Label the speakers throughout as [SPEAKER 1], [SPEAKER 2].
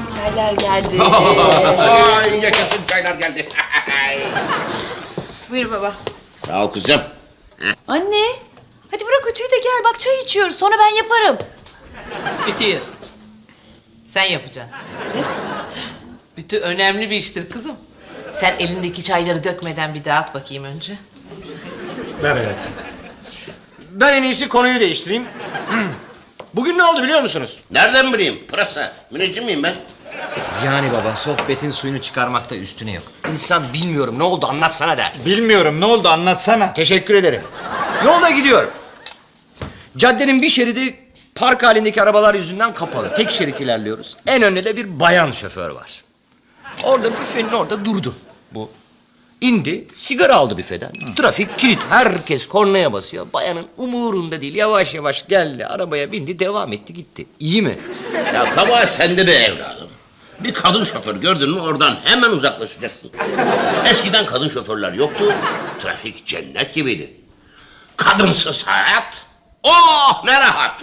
[SPEAKER 1] Çaylar geldi.
[SPEAKER 2] Ay yaşasın çaylar geldi.
[SPEAKER 1] Buyur baba.
[SPEAKER 2] Sağ ol kızım.
[SPEAKER 1] Anne, hadi bırak ütüyü de gel. Bak çay içiyoruz. Sonra ben yaparım.
[SPEAKER 3] Ütüyü. Sen yapacaksın.
[SPEAKER 1] Evet.
[SPEAKER 3] Ütü önemli bir iştir kızım. Sen elindeki çayları dökmeden bir dağıt bakayım önce.
[SPEAKER 4] Ver hayatım. Ben en iyisi konuyu değiştireyim. Bugün ne oldu biliyor musunuz?
[SPEAKER 2] Nereden bileyim? Pırasa. Müneccim miyim ben?
[SPEAKER 4] Yani baba sohbetin suyunu çıkarmakta üstüne yok. İnsan bilmiyorum ne oldu anlatsana der.
[SPEAKER 5] Bilmiyorum ne oldu anlatsana.
[SPEAKER 4] Teşekkür ederim. Yolda gidiyorum. Caddenin bir şeridi park halindeki arabalar yüzünden kapalı. Tek şerit ilerliyoruz. En önde de bir bayan şoför var. Orada büfenin orada durdu bu. İndi, sigara aldı büfeden. Trafik kilit, herkes kornaya basıyor. Bayanın umurunda değil, yavaş yavaş geldi, arabaya bindi, devam etti, gitti. İyi mi?
[SPEAKER 2] Ya kabahat sende be evladım. Bir kadın şoför gördün mü oradan hemen uzaklaşacaksın. Eskiden kadın şoförler yoktu. Trafik cennet gibiydi. Kadınsız hayat. Oh ne rahat.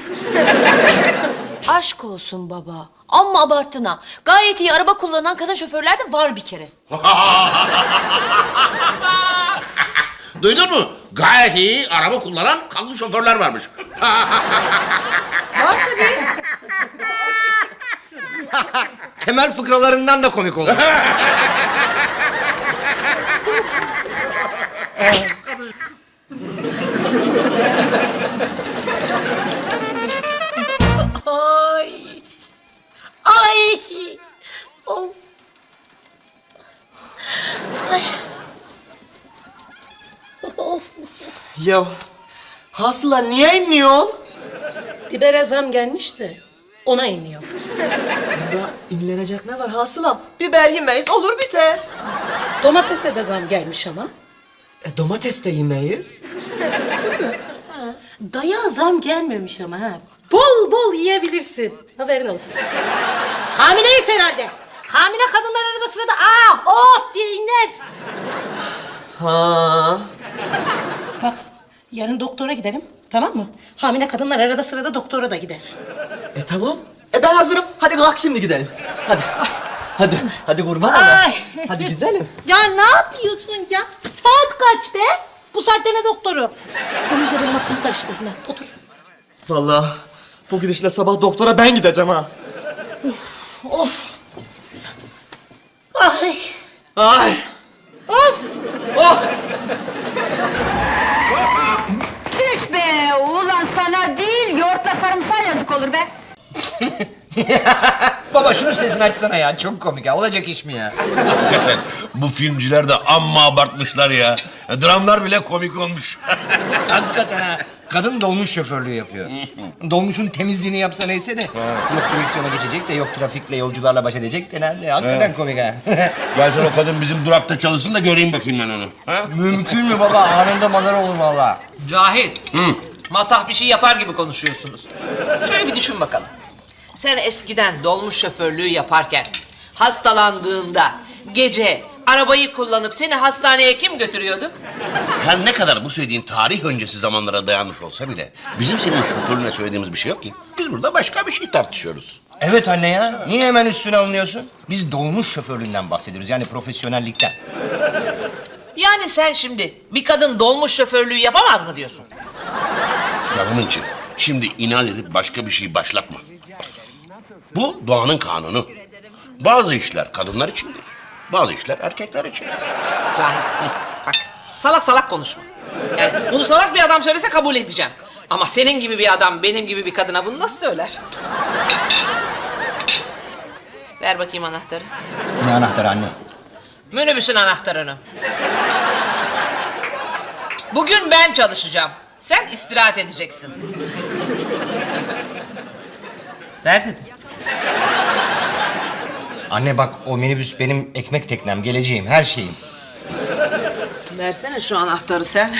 [SPEAKER 1] Aşk olsun baba. Amma abarttın ha. Gayet iyi araba kullanan kadın şoförler de var bir kere.
[SPEAKER 2] Duydun mu? Gayet iyi araba kullanan kadın şoförler varmış.
[SPEAKER 1] Var tabii.
[SPEAKER 4] Temel fıkralarından da komik olur.
[SPEAKER 3] Ay. Ay. Of. Ay. Of.
[SPEAKER 6] Ya Hasıla niye inliyorsun?
[SPEAKER 7] Bibere zam gelmişti. Ona iniyor.
[SPEAKER 6] Bunda inlenecek ne var Hasılam? Biber yemeyiz olur biter.
[SPEAKER 7] Domatese de zam gelmiş ama.
[SPEAKER 6] Domates de yemeyiz. Süper.
[SPEAKER 7] Daya zam gelmemiş ama ha. Bol bol yiyebilirsin. Haberin olsun. Hamileyiz herhalde. Hamile kadınlar arada sırada of diye inler.
[SPEAKER 6] Ha.
[SPEAKER 7] Bak yarın doktora gidelim. Tamam mı? Hamile kadınlar arada sırada doktora da gider.
[SPEAKER 6] Tamam. Ben hazırım. Hadi kalk şimdi gidelim. Hadi. Hadi kurban olayım.
[SPEAKER 7] Ay.
[SPEAKER 6] Hadi güzelim.
[SPEAKER 7] Ya ne yapıyorsun ya? Saat kaç be? Bu saatte ne doktoru? Sonunca benim aklımı karıştırdın ha. Otur.
[SPEAKER 6] Vallahi bu gidişle sabah doktora ben gideceğim ha. Of.
[SPEAKER 7] Ay.
[SPEAKER 6] Ay.
[SPEAKER 7] Of.
[SPEAKER 6] Of.
[SPEAKER 8] Tüh be! Ulan sana değil, yoğurtla sarımsağa yazık olur be.
[SPEAKER 4] Baba şunun sesini açsana ya, çok komik ya. Olacak iş mi ya?
[SPEAKER 9] Hakikaten bu filmciler de amma abartmışlar ya. Dramlar bile komik olmuş.
[SPEAKER 4] Hakikaten ha. Kadın dolmuş şoförlüğü yapıyor. Dolmuşun temizliğini yapsa neyse de. Yok direksiyona geçecek de, yok trafikle, yolcularla baş edecek de nerede? Hakikaten komik ha.
[SPEAKER 9] Versen o kadın bizim durakta çalışsın da göreyim bakayım ben onu. Ha?
[SPEAKER 4] Mümkün mü baba? Anında madara olur vallahi.
[SPEAKER 3] Cahit. Matah bir şey yapar gibi konuşuyorsunuz. Şöyle bir düşün bakalım. Sen eskiden dolmuş şoförlüğü yaparken hastalandığında gece arabayı kullanıp seni hastaneye kim götürüyordu?
[SPEAKER 2] Her ne kadar bu söylediğin tarih öncesi zamanlara dayanmış olsa bile bizim senin şoförüne söylediğimiz bir şey yok ki. Biz burada başka bir şey tartışıyoruz.
[SPEAKER 4] Evet anne ya. Niye hemen üstüne alınıyorsun? Biz dolmuş şoförlüğünden bahsediyoruz. Yani profesyonellikten.
[SPEAKER 3] Yani sen şimdi bir kadın dolmuş şoförlüğü yapamaz mı diyorsun?
[SPEAKER 2] Canımın içi. Şimdi inat edip başka bir şey başlatma. Bu doğanın kanunu. Bazı işler kadınlar içindir. Bazı işler erkekler için.
[SPEAKER 3] Cahit bak salak salak konuşma. Yani bunu salak bir adam söylese kabul edeceğim. Ama senin gibi bir adam benim gibi bir kadına bunu nasıl söyler? Ver bakayım anahtarı.
[SPEAKER 4] Ne anahtarı anne?
[SPEAKER 3] Minibüsün anahtarını. Bugün ben çalışacağım. Sen istirahat edeceksin. Ver dedim.
[SPEAKER 4] Anne bak, o minibüs benim ekmek teknem, geleceğim, her şeyim.
[SPEAKER 3] Versene şu anahtarı sen.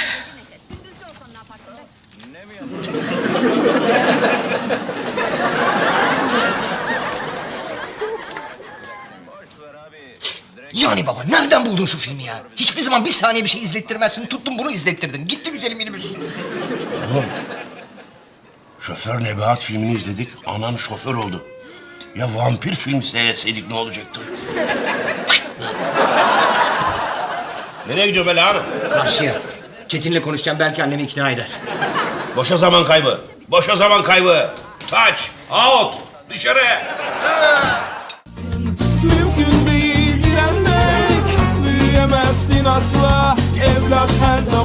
[SPEAKER 4] Yani baba nereden buldun şu filmi ya? Hiçbir zaman bir saniye bir şey izlettirmezsin. Tuttun bunu izlettirdin. Gitti güzelim minibüs.
[SPEAKER 2] Şoför Nebahat filmini izledik. Anan şoför oldu.
[SPEAKER 9] Ya vampir filmi seyretseydik ne olacaktı? Nereye gidiyor be Hanım?
[SPEAKER 4] Karşıya. Çetin'le konuşacağım, belki annemi ikna eder.
[SPEAKER 9] Boşa zaman kaybı. Boşa zaman kaybı. Touch, out, dışarı.
[SPEAKER 10] Mümkün değil direnmek, büyüyemezsin asla. Evlat her zaman